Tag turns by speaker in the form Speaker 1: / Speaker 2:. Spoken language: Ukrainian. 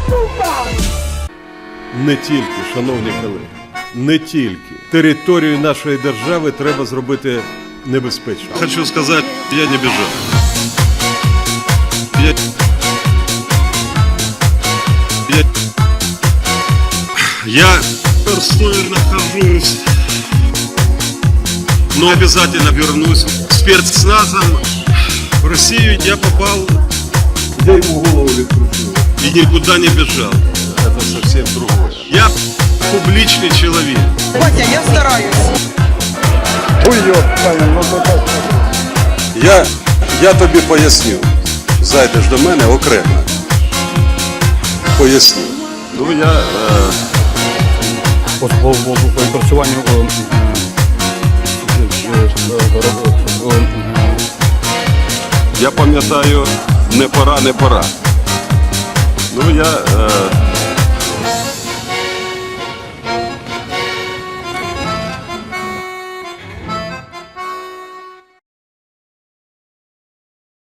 Speaker 1: Не тільки, шановні колеги, не тільки. Територію нашої держави треба зробити небезпечною.
Speaker 2: Хочу сказать, я не бежал. Я в Ростове нахожусь, но обязательно вернусь. Спецназом в Россию я попал
Speaker 1: Я йому голову відкручую.
Speaker 2: и никуда не бежал.
Speaker 1: Це зовсім другое.
Speaker 2: Я публичный человек.
Speaker 3: Батя, я стараюсь.
Speaker 4: Я тобі поясню. Зайдеш до мене окремо. Поясню.
Speaker 2: Ну, я
Speaker 5: по відпрацюванню
Speaker 2: пам'ятаю, не пора. Ну, я